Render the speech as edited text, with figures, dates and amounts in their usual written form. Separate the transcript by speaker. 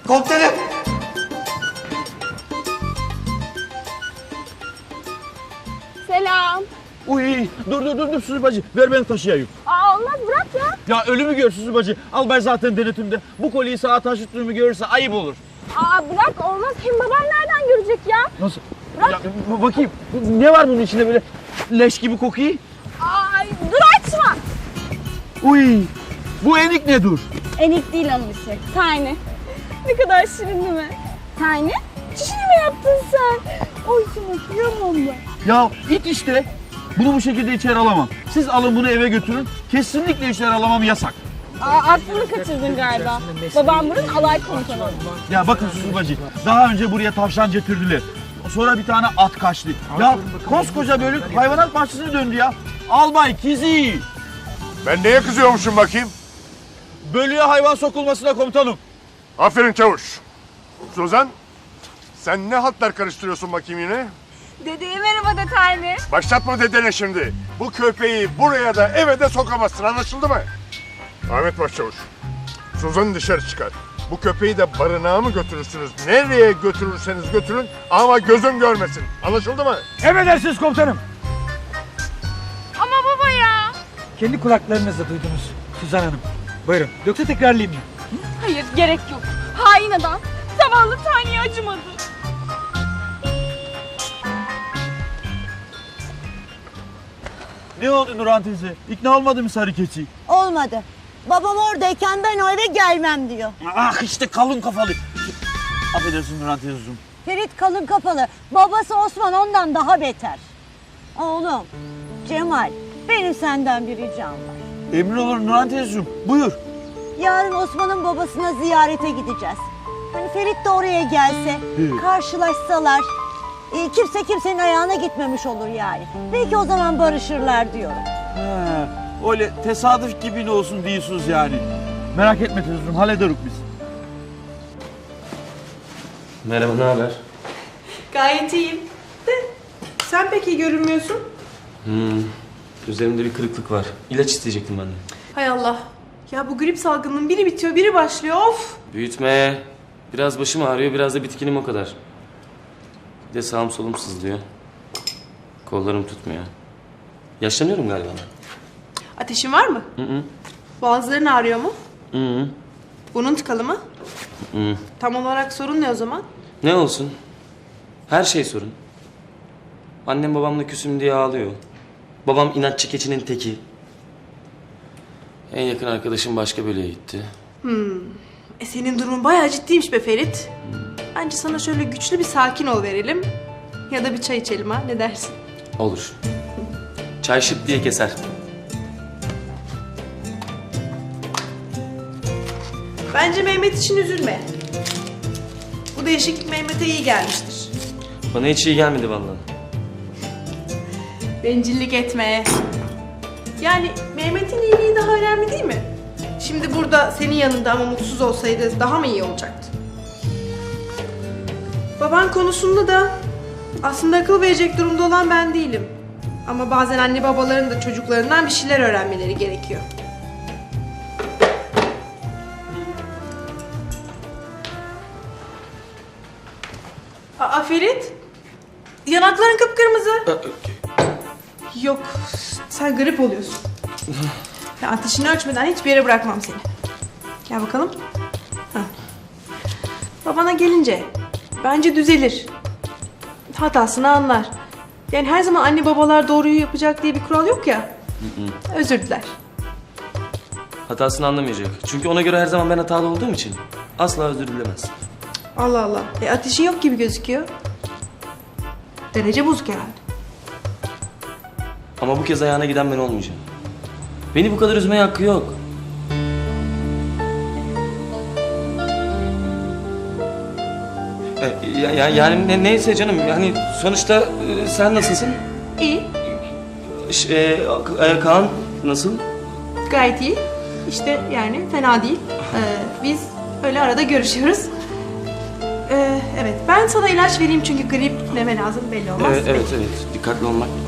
Speaker 1: Komutanım.
Speaker 2: Selam.
Speaker 3: Uy, dur Suzi bacı. Ver beni taşıyayım.
Speaker 2: Aa, olmaz bırak ya.
Speaker 3: Ya ölümü gör Suzi bacı. Albay zaten denetimde. Bu kolyeyi sağa taşıttığımı görürse ayıp olur.
Speaker 2: Aa, bırak olmaz. Hem babam nereden görecek ya?
Speaker 3: Nasıl?
Speaker 2: Bırak.
Speaker 3: Ya, bakayım. Ne var bunun içinde böyle leş gibi kokuyor?
Speaker 2: Ay, dur açma.
Speaker 3: Uy, bu enik ne dur?
Speaker 2: Enik değil onun işi. Tiny. Ne kadar şirin değil mi? Tiny? Çişini mi yaptın sen? Oy sana kıyamam ben.
Speaker 3: Ya it işte. Bunu bu şekilde içeri alamam. Siz alın bunu eve götürün. Kesinlikle içeri alamam, yasak.
Speaker 2: Aa, aklını kaçırdın galiba. Babam bunun alay komutanı.
Speaker 3: Ya bakın Suzi bacı. Daha önce buraya tavşan getirdiler. Sonra bir tane at kaçtı. Ya koskoca bölük hayvanat bahçesine döndü ya. Albay Kizi.
Speaker 4: Ben neye kızıyormuşum bakayım?
Speaker 3: Bölüğe hayvan sokulmasına komutanım.
Speaker 4: Aferin çavuş. Suzan, sen ne hatlar karıştırıyorsun bakayım yine?
Speaker 2: Dedeye merhaba de Tiny.
Speaker 4: Başlatma dedene şimdi. Bu köpeği buraya da eve de sokamazsın, anlaşıldı mı? Ahmet Başçavuş, Suzan'ı dışarı çıkar. Bu köpeği de barınağa mı götürürsünüz? Nereye götürürseniz götürün ama gözüm görmesin. Anlaşıldı mı?
Speaker 5: Emredersiniz komutanım.
Speaker 2: Ama baba ya.
Speaker 5: Kendi kulaklarınızla duydunuz Suzan Hanım. Buyurun. Yoksa tekrarlayayım mı?
Speaker 2: Hayır gerek yok. Hain adam. Zavallı Tiny'ye acımadı.
Speaker 3: Ne oldu Nurhan teyze? İkna olmadı mı sarı keçi?
Speaker 6: Olmadı. Babam oradayken ben o eve gelmem diyor.
Speaker 3: Ah işte kalın kafalı. Affedersin Nurhan teyzeciğim.
Speaker 6: Ferit kalın kafalı. Babası Osman ondan daha beter. Oğlum, Cemal, benim senden bir ricam var.
Speaker 3: Emrin olur Nurhan teyzeciğim. Buyur.
Speaker 6: Yarın Osman'ın babasına ziyarete gideceğiz. Hani Ferit de oraya gelse, karşılaşsalar, kimse kimsenin ayağına gitmemiş olur yani. Belki o zaman barışırlar diyorum.
Speaker 3: He, öyle tesadüf gibi ne olsun diyorsunuz yani. Merak etme teyzeciğim, hallederiz biz.
Speaker 7: Merhaba, ne haber?
Speaker 8: Gayet iyiyim. De sen pek iyi görünmüyorsun.
Speaker 7: Üzerimde bir kırıklık var. İlaç isteyecektim ben de.
Speaker 8: Hay Allah. Ya bu grip salgınının biri bitiyor, biri başlıyor. Of!
Speaker 7: Büyütme. Biraz başım ağrıyor, biraz da bitkinim o kadar. Bir de sağım solum sızlıyor. Kollarım tutmuyor. Yaşlanıyorum galiba ben.
Speaker 8: Ateşin var mı? Boğazların ağrıyor mu?
Speaker 7: Hı.
Speaker 8: Burnun tıkalı mı? Tam olarak sorun ne o zaman?
Speaker 7: Ne olsun? Her şey sorun. Annem babamla küsüm diye ağlıyor. Babam inatçı keçinin teki. En yakın arkadaşım başka bölüye gitti.
Speaker 8: Senin durumun bayağı ciddiymiş be Ferit. Bence sana şöyle güçlü bir sakin ol verelim. Ya da bir çay içelim ha, ne dersin?
Speaker 7: Olur. Çay şıp diye keser.
Speaker 8: Bence Mehmet için üzülme. Bu değişiklik Mehmet'e iyi gelmiştir.
Speaker 7: Bana hiç iyi gelmedi vallahi.
Speaker 8: Bencillik etme. Yani Mehmet'in iyiliği daha önemli değil mi? Şimdi burada senin yanında ama mutsuz olsaydı daha mı iyi olacaktı? Baban konusunda da aslında akıl verecek durumda olan ben değilim. Ama bazen anne babaların da çocuklarından bir şeyler öğrenmeleri gerekiyor. Aa Ferit, yanakların kıpkırmızı. Yok, sen grip oluyorsun. Ya ateşini ölçmeden hiçbir yere bırakmam seni. Gel bakalım. Hah. Babana gelince, bence düzelir. Hatasını anlar. Yani her zaman anne babalar doğruyu yapacak diye bir kural yok ya. Özür diler.
Speaker 7: Hatasını anlamayacak. Çünkü ona göre her zaman ben hatalı olduğum için asla özür dilemez.
Speaker 8: Allah Allah. Ateşin yok gibi gözüküyor. Derece bozuk herhalde.
Speaker 7: Ama bu kez ayağına giden ben olmayacağım. Beni bu kadar üzmeye hakkı yok. Yani neyse canım. Yani sonuçta sen nasılsın?
Speaker 8: İyi.
Speaker 7: Kaan nasıl?
Speaker 8: Gayet iyi. İşte yani fena değil. Biz öyle arada görüşüyoruz. Evet, ben sana ilaç vereyim çünkü grip neme lazım belli olmaz.
Speaker 7: Evet. Dikkatli olmak